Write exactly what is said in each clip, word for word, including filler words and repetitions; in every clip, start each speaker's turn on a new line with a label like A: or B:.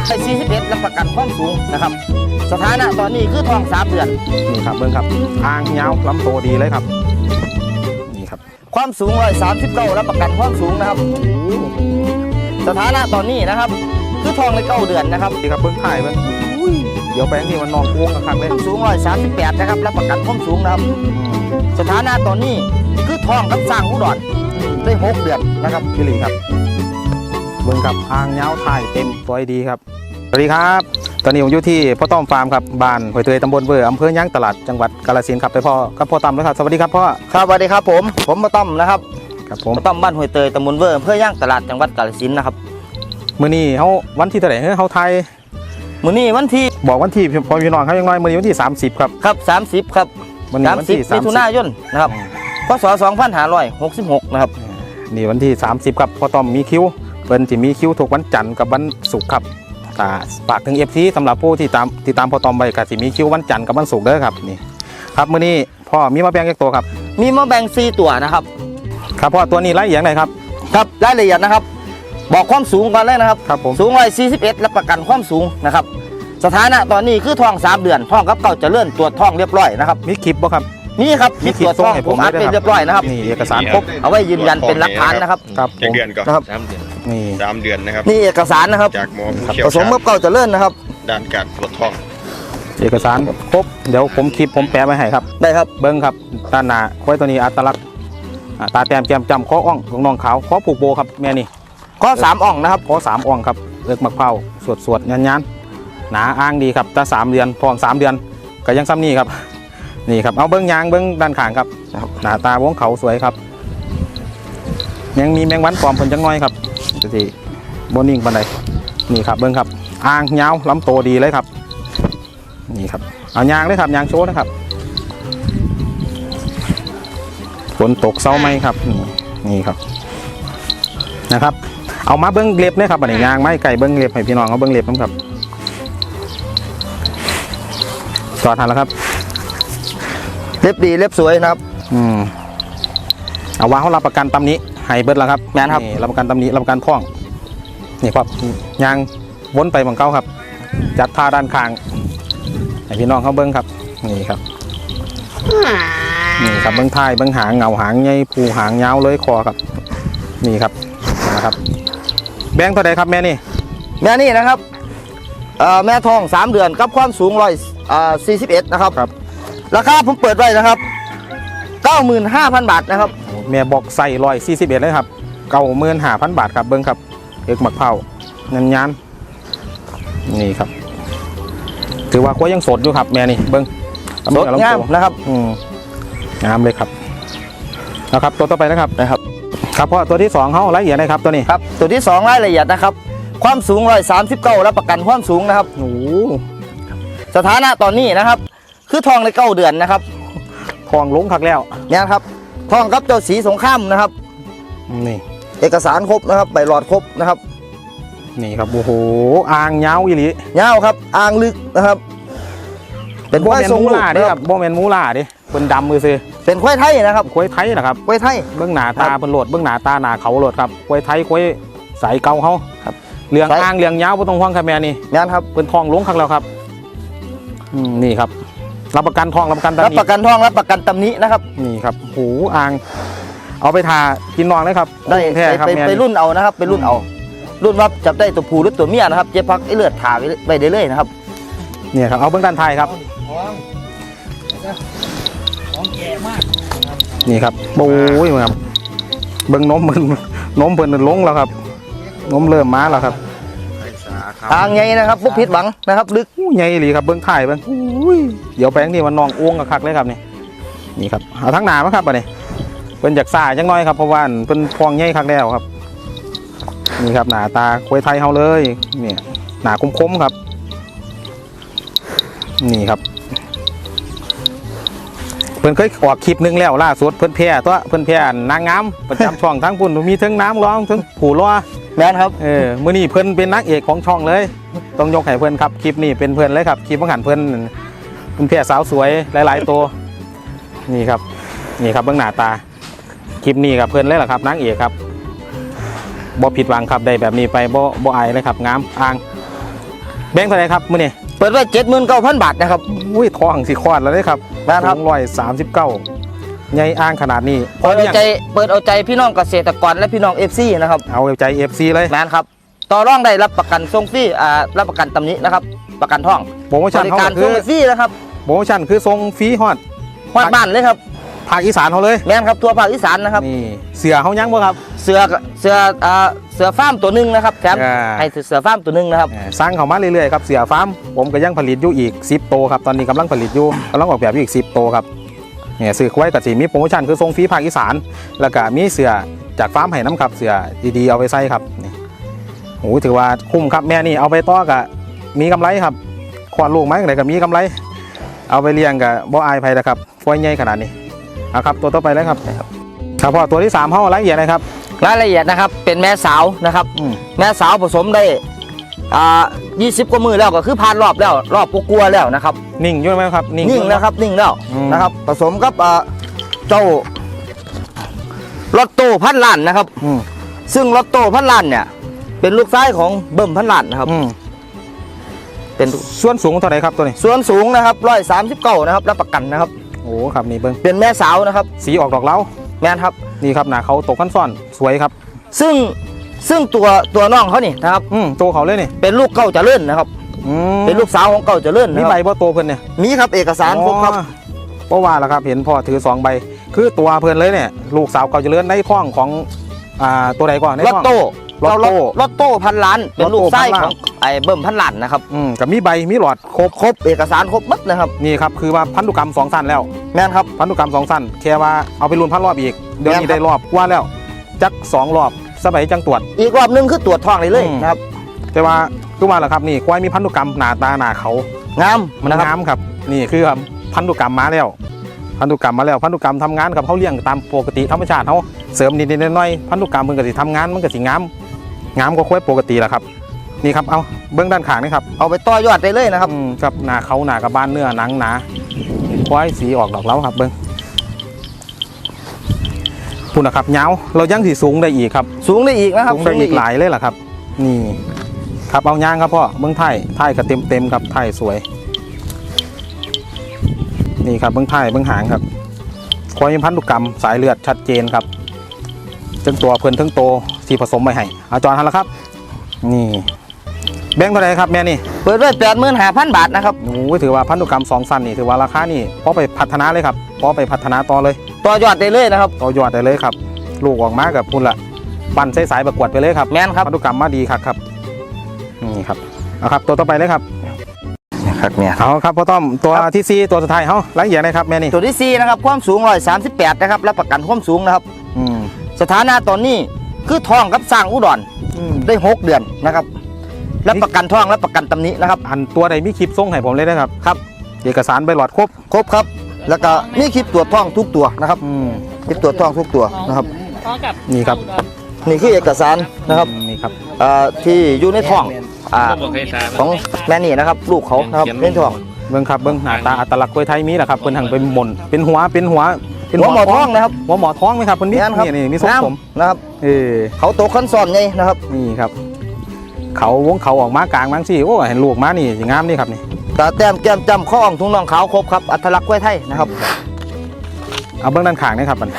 A: สี่สิบเอ็ดรับประกันความสูงนะครับสถานะตอนนี้คือทองสามเดือน
B: นี่ครับเบิ้งครับทางยาวลำโตดีเลยครับนี่ครับ
A: ความสูงร้อยสามสิบเก้ารับประกันความสูงนะครับสถานะตอนนี้นะครับคือทองในเก้าเดือนนะครับ
B: นี่ครับเบิ้งถ่ายเบิ้งเดี๋ยวแปลงนี่มันนองโค้งกันครับเลย
A: สูงร้อยสามสิบแปดนะครับรับประกันความสูงนะครับสถานะตอนนี้คือทองกับสร้างอุดรได้หกเดือนนะครับ
B: พี่หลีครับเบิ้งครับทางยาวถ่ายเต็มสวยดีครับสวัสดีครับตอนนี้ผมอยู่ที่พ่อต้อมฟาร์มครับบ้านหอยเตยตำบลเบอร์อำเภอย่างตลาดจังหวัดกาฬสินธุ์ครับไปพ่อกับพ่อต้อมเลยครับสวัสดีครับพ่อ
A: ครับสวัสดีครับผมผมมาต้อมนะครับ
B: ครับผม
A: มาต้อมบ้านหอยเตยตำบลเบอร์อำเภอย่างตลาดจังหวัดกาฬสินธุ์นะครับ
B: มื้อนี้เขาวันที่เท่าไหร่เขาไทย
A: มื้อนี้วันที่
B: บอกวันที่พอพี่น้องเขายังน้อยมื้อนี้วันที่สามสิบครับ
A: ครับสามสิบครับ
B: สามสิบ
A: มิถุนายนนะครับพศสองพันห้าร้อยหกสิบหกนะครับ
B: นี่วันที่สามสิบครับพ่อต้อมมีคิวเพิ่นจะมีคิวทุกวันจันทร์กับวันศุกร์ครับฝากถึง เอฟ ซี สำหรับผู้ที่ตามที่ตามพ่อต้อมไปก็จะมีคิววันจันทร์กับวันศุกร์เด้อครับนี่ครับมื้อนี้พ่อมีมาแบ่งแยกตัวครับ
A: มีมาแบ่งสี่ตัวนะครับ
B: ครับพ่อตัวนี้รายละเอียดไหนครับ
A: ครับรายละเอียดนะครับบอกความสูงก่อนเลยนะครับ
B: ครับผม
A: สูงร้อยสี่สิบเอ็ดรับประกันความสูงนะครับสถานะตอนนี้คือทองสามเดือนทองกับเก่าจะเลื่อนตรวจทองเรียบร้อยนะครับ
B: มีคลิปบ่ครับ
A: นี่ครับคลิปตรวจทองผมอัดเป็นเรียบร้อยนะครับ
B: นี่เอกสารครบ
A: เอาไว้ยืนยันเป็นหลักฐานนะครับ
B: ครับ
C: เดือนก่อน
A: นะครับ
B: นี่
C: สามเดือนนะครับ
A: นี่เอกสารนะครับ
C: จากหมอผู้เชี่ยวชาญ
A: ผสมกับเก่าจะเลื่อนนะครับ
C: ด้านการตรวจทอง
B: เอกสารครบเดี๋ยวผมคลิปผมแปะไว้ให้ครับ
A: ได้ครับ
B: เบิ้งครับด้านหน้าควายตัวนี้อัตลักษณ์ตาแต้มแก้มจำข้ออ่องของน้องขาวข้อผูกโบครับแม่นี่
A: ข้อสามอ่องนะครับ
B: ข้อสามอ่องครับเลือกมะพร้าวสวดสวดยันยันหนาอ้างดีครับตาสามเดือนทองสามเดือนก็ยังซ้ำนี่ครับนี่ครับเอาเบิ้งยางเบิ้งด้านข้างครับหน้าตาวงเขาสวยครับยังมีแมงวันปลอมเพิ่นจังน้อยครับดูสิโบนิ่งปันใดนี่ครับเบิ้งครับอ่างยาวลำโตดีเลยครับนี่ครับเอายางเลยครับยางโชว์นะครับฝนตกเศร้าไหมครับนี่ครับนะครับเอามาเบิ้งเล็บเนี่ยครับอันนี้ยางไม้ไก่เบิ้งเล็บให้พี่น้องเขาเบิ้งเล็บนะครับจอดทันแล้วครับ
A: เล็บดีเล็บสวยนะครับ
B: อืมเอาว่าเขารับประกันตำนี้ให้เบิดแล้วครับ
A: แม่นครับ
B: รับประกันตำนี้รับประกันท่องนี่ครับยางวนไปบังเก้าครับจัดท่าด้านข้างให้พี่น้องเขาเบิ้งครับนี่ครับนี่ครับเบิ้งท้ายเบิ้งหางเงาหางใหญ่ผูหางยาวเลยคอครับนี่ครับนะครับแบงค์เท่าไรครับแม่นี่
A: แม่นี่นะครับแม่ทองสามเดือนกับความสูงร้อยสี่สิบเอ็ดนะครับ
B: ครับ
A: ราคาผมเปิดไว้นะครับเก้าหมื่นห้าพันบาทนะครับ
B: แม่บอกใส่ร้อยสี่สิบเอ็ดเลยครับเก้าหมื่นห้าพันบาทครับเบิ้งครับเอกหมักเผาเงินยันนี่ครับถือว่าก็ยังสดอยู่ครับแม่นี่เบิ้ง
A: สดงามนะครับ
B: อืมงามเลยครับนะครับตัวต่อไปนะครับ
A: นะครับ
B: ครับเพราะตัวที่สองเขารายละเอียดนะครับตัวนี้
A: ครับตัวที่สองรายละเอียดนะครับความสูงร้อยสามสิบเก้ารับประกันความสูงนะครับ
B: โอ้
A: สถานะตอนนี้นะครับคือทองในเก้าเดือนนะครับ
B: ทองลงคักแล้ว
A: เนี่ยครับทองกับเจ้าสีสงครามนะครับ
B: นี่
A: เอกสารครบนะครับใบหลอดครบนะครับ
B: นี่ครับโอ้โหอ่างยาวอีหลี
A: ยาวครับอ่างลึกนะครับ
B: เป็นควายทรงมูล่าดิครับโบเมนมูล่าดิเป็นดำมือซื้อ
A: เป็นควายไทยนะครับ
B: ควายไทยนะครับ
A: ควายไทย
B: เบื้องหน้าตาเป็นโหลดเบื้องหน้าตาหน้าเขาโหลดครับควายไทยควายสายเก่าเขาครับเลี้ยงอ่างเลี้ยงยาวบนตรงห้องครับแม่นี่
A: งานครับ
B: เป็นทองลงคักแล้วครับอืมนี่ครับรับประกันทองรับประกันตำหนิ
A: รับประกันทองรับประกันตำหนินะครับ
B: นี่ครับหูอ่างเอาไปทากินนองเลยครับ
A: ได้ไปไปรุ่นเอานะครับไปรุ่นเอารุ่นว่าจับได้ตัวผู้หรือตัวเมียนะครับเจ๊พักไอเลือดถ่าไปได้เลยนะครับ
B: เนี่ยครับเอาเบื้องด้านไทยครับนี่ครับโอ้ยครับเบื้องนมมันนมเพิ่นลงแล้วครับนมเริ่มมาแล้วครับ
A: ทางใหญ่นะครับพวกพิษหวังนะครับลึก
B: ใหญ่หรือครับเบื้องถ่ายเบื้องเดี๋ยวแปลงนี่มันนองอ้วงกับคักเลยครับนี่นี่ครับเอาทั้งหนาไหมครับอันนี้เป็นจากซ่าจังน้อยครับเพราะว่าเป็นพองใหญ่คักแล้วครับนี่ครับหนาตาควายไทยเฮาเลยเนี่ยหนาคมๆครับนี่ครับเพื่อนเคยออกคลิปนึงแล้วล่าสุดเพื่อนแพร่ตัวเพื่อนแพร่นางงามประจำช่องทั้งปุ่นมีทั้งน้ำร้องทั้งผูล้อ
A: แม่นครับ
B: เออมื้อนี้เพื่อนเป็นนักเอกของช่องเลยต้องยกให้เพื่อนครับคลิปนี้เป็นเพื่อนเลยครับคลิปบังหันเพื่อนเพื่อนแพร่สาวสวยหลายๆตัวนี่ครับนี่ครับเบื้องหน้าตาคลิปนี้กับเพื่อนเลยแหละครับนักเอกครับบ่ผิดหวังครับได้แบบนี้ไปบ่บ่อายเลยครับงามอ่างแบงค์เท่าไหร่ครับมื้อนี้
A: เปิดไว้เจ็ดหมื่นเก้าพันบาทนะครับ
B: อุ้ยทองสิคลอดแล้วเด้ครับ
A: แม่นครับ
B: สูงร้อยสามสิบเก้าใหญ่อ้างขนาดนี้
A: เปิดเอาใจเปิดเอาใจพี่น้องเกษตรกรและพี่น้องเอฟซีนะครับ
B: เอาใจ เอฟ ซี เลย
A: แมนครับต่อรองได้รับประกันส่งฟรีอ่ารับประกันตำหนินะครับประกันท่อง
B: โปรโม
A: บ
B: ชั่น
A: ริ
B: เขา
A: การ
B: คื
A: ส่ง
B: อ
A: ฟรีนะครับ
B: โปรโมชั่นคือส่งฟรีฮอด
A: ฮอดบ้านเลยครับ
B: ภาคอีสานเขาเลย
A: แมนครับทั่วภาคอีสานนะครับ
B: นี่เสือเขายังบ่ครับ
A: เสือเสืออ่าเสือฟาร์มตัวหนึ่งนะครับแถม
B: อ่า
A: ให้เสือฟาร์มตัวหนึ่งนะครับ
B: เอ่อสร้างเขามาเรื่อยๆครับเสือฟาร์มผมก็ยังผลิตอยู่อีกสิบโตวครับตอนนี้กำลังผลิตอยู่กำลังออกแบบอยู่อีกสิบโตวครับเนี่ยซื้อไว้กับสีมีโปรโมชั่นคือส่งฟรีภาคอีสานแล้วก็มีเสือจากฟาร์มให้น้ำครับเสือดีๆเอาไปใส่ครับนี่โอ้ถือว่าคุ้มครับแม่นี่เอาไปต่อกับมีกำไรครับขวดลูกไม้อะไรก็มีกำไร เอาไปเลี้ยงกับบ่อายไผ่นะครับฟอยใหญ่ขนาดนี้เอาครับตัวต่อไปเลยครับครับพ่อตัวที่สามห้องรายละเอียดนะครับ
A: รายละเอียดนะครับเป็นแม่สาวนะครับ
B: อืม
A: แม่สาวผสมได้อ่ายี่สิบกว่ามือแล้วก็คือผ่านรอบแล้วรอบกลัวๆแล้วนะครับ
B: นิ่งอยู่ไหมครับนิ่ง
A: นิ่งแล้วครับนิ่งแล้ว
B: อืม
A: นะครับผสมกับอ่าเจ้าลอตโต้พันล้านนะครับ
B: อืม
A: ซึ่งลอตโต้พันล้านเนี่ยเป็นลูกชายของเบิ่มพันล้านนะครับ
B: อืม
A: เป็น
B: ส่วนสูงเท่าไหร่ครับตัวนี้
A: ส่วนสูงนะครับร้อยสามสิบเก้านะครับรับประกันนะครับ
B: โอ้ครับนี่เบิ้ง
A: เป็นแม่สาวนะครับ
B: สีออกดอกเล้า
A: แม่นครับ
B: นี่ครับหนาเขาตกขั้นซ่อนสวยครับ
A: ซึ่งซึ่งตัวตัวน้องเขานี่นะครับ
B: อืมตัวเขาเลยนี่
A: เป็นลูกเก้าเจริญนะครับ
B: อืม
A: เป็นลูกสาวของเก้าเจริญ
B: มี
A: นะค
B: ใบ
A: รับ
B: บ่โตเพิ่นเนี่ย
A: มีครับเอกสารครบครับ
B: อ๋อเพราะว่าล่ะครับเห็นพ่อถือสองใบ คือตัวเพิ่นเลยเนี่ยลูกสาวเก่าเจริญในท้องของอ่าตัวใดก่อนใน
A: ลอต
B: ท้อง
A: โต้
B: ลอตโต้
A: ลอตโต้พันล้านเป็นลูกไส้
B: ลอตโต้พันล้าน
A: ของไอ้เบิ่มพันล้านนะครับ
B: อืมกับมีใบมีหลอดครบ
A: ครบเอกสารครบหมดนะครับ
B: นี่ครับคือว่าพันธุกรรมสองสั้นแล้ว
A: แม่นครับ
B: พันธุกรรมสองสั้นแค่ว่าเอาไปรุนพันรอบอีกเดี๋ยวนี้
A: แม่นครับ
B: ได้รอบกว่าแล้วจักสองรอบสบายจังตรวจ
A: อีกรอบหนึงคือตรวจท้องเลยเลย
B: อืม
A: นะครับ
B: แต่ว่าคือว่าล่ะครับนี่ควายมีพันธุกรรมหนาตาหนาเขา
A: งาม
B: มัน
A: นะครับ
B: งามครับนี่คือพันธุกรรมมาแล้วพันธุกรรมมาแล้วพันธุกรรมทำงานกับเขาเลี้ยงตามปกติธรรมชาติเขาเสริมนิดๆหน่อยๆพันธุกรรมมันก็สิทำงานมันก็สิงามงามกว่าควายปกติแหละครับนี่ครับเอาเบื้องด้านข้างนี่ครับ
A: เอาไปต่อยอดได้เลยนะครับ
B: อืมกับหนาเขาหนากับบ้านเนื้อหนังหนาควายสีออกดอกเล้าครับเบื้องพูดนะครับเงาวเรายังสีสูงได้อีกครับ
A: สูงได้อีกนะครับ
B: สูงได้อีกหลายเลยแหละครับ นี่ครับเอาย่างครับพ่อเบื้องไทยไทยก็เต็มเต็มๆครับไทยสวย นี่ครับเบื้องไทยเบื้องหางครับควายมีพันธุกรรมสายเลือดชัดเจนครับจึงตัวเพิ่นทั้งโตสีผสมไปให้เอาจอนทันแล้วครับ นี่แบงค์เท่าไหร่ครับแม่นี่
A: เปิดไว้แปดหมื่นห้าพันบาทนะครับ
B: โอ้ยถือว่าพันธุกรรมสองสั้นนี่ถือว่าราคานี่พอไปพัฒนาเลยครับพอไปพัฒนาต่อเลย
A: ต่อยอดได้เลยนะครับ
B: ต่อยอดได้เลยครับ ลูกออกมากับพุ่นละปั่นใส่สายประกวดไปเลยครับ
A: แม่นครับ
B: พันธุกรรมมาดีครับครับนี่ครับเอาครับตัวต่อไปเลยครับ
A: นะครับเนี่ย
B: เอาครับพ่อต้อมตัวที่สี่ตัวสุดท้ายเฮารายละเอียดนะครับแม่นี่
A: ตัวที่สี่นะครับความสูงร้อยสามสิบแปดนะครับรับประกันความสูงนะครับ
B: อืม
A: สถานะตอนนี้คือท้องกับสร้างอุดร
B: อืม
A: ได้หกเดือนนะครับรับประกันท้องรับประกันตำหนินะครับ
B: อันตัวใดมีคลิปส่งให้ผมเลยนะครับ
A: ครับ
B: เอกสารใบหลอดครบ
A: ครบครับ แล้วก็มีคลิปตรวจท้องทุกตัวนะครับ
B: อืม
A: คลิปตรวจท้องทุกตัวนะครับ
B: นี่ครับ
A: นี่คือเอกสารนะครับ
B: อืมนี่ครับ
A: เอ่อที่อยู่ในท้องอ่าของแม่นี่นะครับ ลูกเขานะครับในท้อง
B: เบิ้งครับเบิ้งหน้าตาอัตลักษณ์กล้วยไทยมีแหละครับเป็นหังเป็นหม่นเป็นหัวเป็นหัวเป็น
A: หัวหมอท้องนะครับ
B: หัวหมอท้องไหมครับเพิ่นมี
A: แม่นครับ
B: นี่นี่มีทรง
A: งาม
B: ผม
A: นะครับ
B: เออ
A: เขาโตขั้นซ้อนไงนะครับ
B: นี่ครับ เขาวงเขาออกมากลางบางสิโอ้เห็นลูกมานี่สิงามนี่ครับนี่
A: ตาแต้มแก้มจำข้ออ่องทุ่งน่องขาวครบครับอัตลักษณ์กล้วยไทยนะครับ
B: เอาเบื้องด้านข้างนี่ครับมัน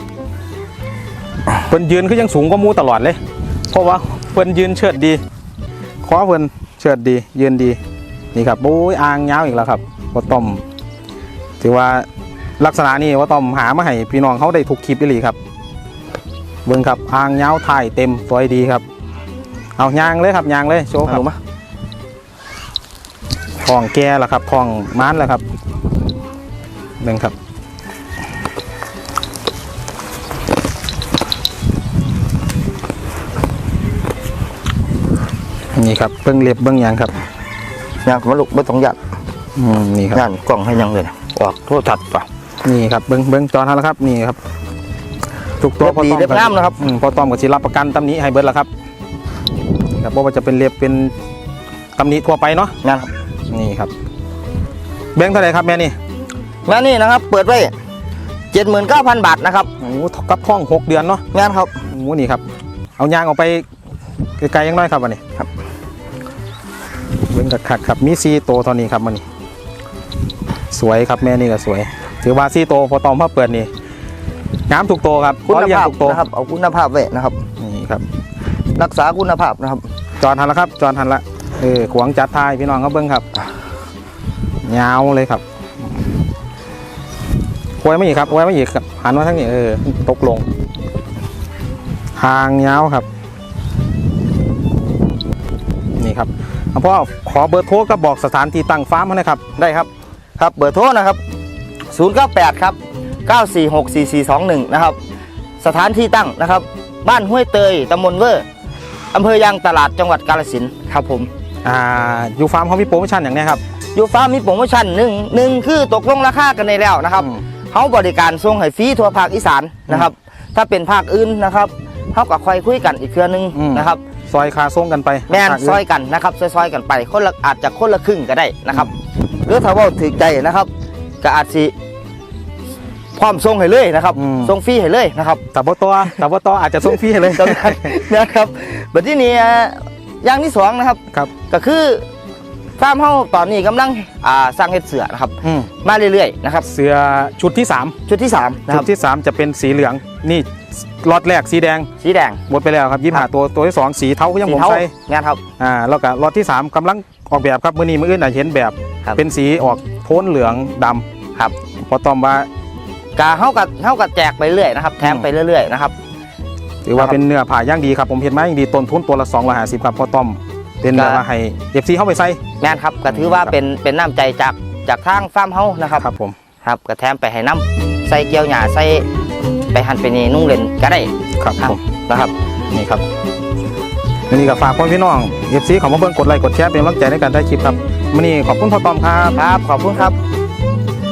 B: เพิ่นยืนคือยังสูงกว่าหมูตลอดเลย เพราะว่าเพิ่นยืนเชิดดีคอเพิ่นเชิดดียืนดีนี่ครับโอ้ยอ่างยาวอีกแล้วครับว่าต้อมถือว่าลักษณะนี้ว่าต้อมหามาให้พี่น้องเขาได้ถูกคลิปอีหลีครับเบิ่งครับอ่างยาวถ่ายเต็มสวยดีครับเอายางเลยครับยางเลยโชว์ครับ
A: เอามา
B: ทองแก่แล้วครับทองม้านแล้วครับหนึ่งครับนี่ครับเบิ้งเล็บเบิ้งยางครับ
A: งานมาลูกไม่ต้องหยัด
B: อืมนี่ครับ
A: งานกล่องให้ยังเลยนะออกโทษทัดป่ะ
B: นี่ครับเบิ้งเบิ้งจอทันแล้วครับนี่ครับทุกตัว
A: เล็บดีเล็บงามนะครับ
B: อืมพอต้อมกับศิรับประกันตำหนิให้เบิร์ดแล้วครับนี่ครับเพราะว่าจะเป็นเล็บเป็นตำหนิทั่วไปเนาะ
A: งานครับ
B: นี่ครับแบงค์เท่าไหร่ครับแม่นี่
A: งานนี้นะครับเปิดไว้เจ็ดหมื่นเก้าพันบาทนะครับ
B: โอ้โหกับท้องหกเดือนเนาะ
A: งานครับ
B: โอ้โหนี่ครับเอายางออกไปไกลๆยังน้อยครับวันนี้
A: ครับ
B: เบิ่งคักๆครับมีสี่ตัวเท่านี้ครับมันสวยครับแม่นี่ก็สวยถือว่าสี่ตัวพอตอมพ่อเปิดนี่งามถูกตัวครับ
A: คุณ
B: เลี้ยง
A: ภาพ
B: ถูกตัว
A: นะครับเอาคุณภาพไว้นะครับ
B: นี่ครับ
A: รักษาคุณภาพนะครับ
B: จอดทันแล้วครับจอดทันละเออขวางจัดทายพี่น้องเขาเบิ้งครับยาวเลยครับควยไม่อีกครับควยไม่อีกครับหันมาทั้งนี้เออตกลงหางยาวครับนี่ครับเอาพ่อขอเบอร์โทรกับบอกสถานที่ตั้งฟาร์มมาหน่อยครับ
A: ได้ครับครับเบอร์โทรนะครับศูนย์ เก้า แปดครับเก้า สี่ หก สี่ สี่ สอง หนึ่งนะครับสถานที่ตั้งนะครับบ้านห้วยเตยตำบลเวอร์อำเภอยางตลาดจังหวัดกาฬสินธุ์ครับผม
B: อ่าอยู่ฟาร์มเขามีโปรโมชั่นอย่างนี้ครับ
A: อยู่ฟาร์มมีโปรโมชั่นหนึ่งหนึ่งคือตกลงราคากันในแล้วนะครับ
B: อืม
A: เขาบริการส่งให้ฟรีทั่วภาคอีสานนะครับถ้าเป็นภาคอื่นนะครับเขากับคอยคุยกันอีกเครือนึงนะครับ
B: ซอยคาส่งกันไป
A: แม่นซอยกันนะครับซอยๆกันไปคนละอาจจะคนละครึ่งก็ได้นะครับหรือถ้าว่าถึงใจนะครับก็อาจสิพร้อมส่งให้เลยนะครับส่งฟรีให้เลยนะครับ
B: แต่บ่ตัวแต่บ่ตัวอาจจะส่งฟรีให้เลย
A: จำได้นะครับบัดที่นี้อย่างที่สองนะครับ
B: ครับ
A: ก็คือฟาร์มเฮาตอนนี้กำลังอ่าสร้างเฮ็ดเสือนะครับ
B: อืม
A: มาเรื่อยๆนะครับ
B: เสื้อชุดที่สาม
A: ชุดที่สามนะค
B: ชุ
A: รั
B: ด
A: บ
B: ที่สามจะเป็นสีเหลืองนี่ล็อตแรกสีแดง
A: สีแดง
B: หมดไปแล้วครับยี่ห้าตัวตัวที่สองสีเทาก็ยัง
A: สี
B: ผม
A: เทา
B: ใส่
A: งานครับ
B: อ่าแล้วก็ล็อตที่สามกำลังออกแบบครับมื้อนี้มื้ออื่นอาจเห็นแบบ
A: ครับ
B: เป็นสีออกโทนเหลืองดำ
A: ครับ
B: พอตอมว่าก
A: าเฮากับเฮากับแจกไปเรื่อยนะครับแถมไปเรื่อยๆนะครับ
B: ถือว่า
A: ครับ
B: เป็นเนื้อผ่าย่างดีครับผมเห็นไหมย่างดีต้นทุนตัวละสองร้อยห้าสิบครับพอตอมเป็น
A: ก็
B: แบบว่าให้เอฟซีเข้าไปใส่
A: งานครับก็ถือว่าเป็นเป็นน้ำใจจากจากทางฟาร์มเฮานะครับ
B: ครับผม
A: ครับก็แถมไปให้น้ำใส่เกี๊ยวหญ้าใส่ไปหั่นไปนี่นุ่งเล่นก็ได้
B: ครับ
A: ครับ
B: ผม
A: นะครับ
B: นี่ครับวันนี้ก็ฝากพ่อพี่น้องเอฟซีของมาเบิ่งกดไลค์กดแชร์เป็นกำลังใจในการได้คลิปครับวันนี้ขอบคุณพ่อตอมครับ
A: ครับขอบคุณครับ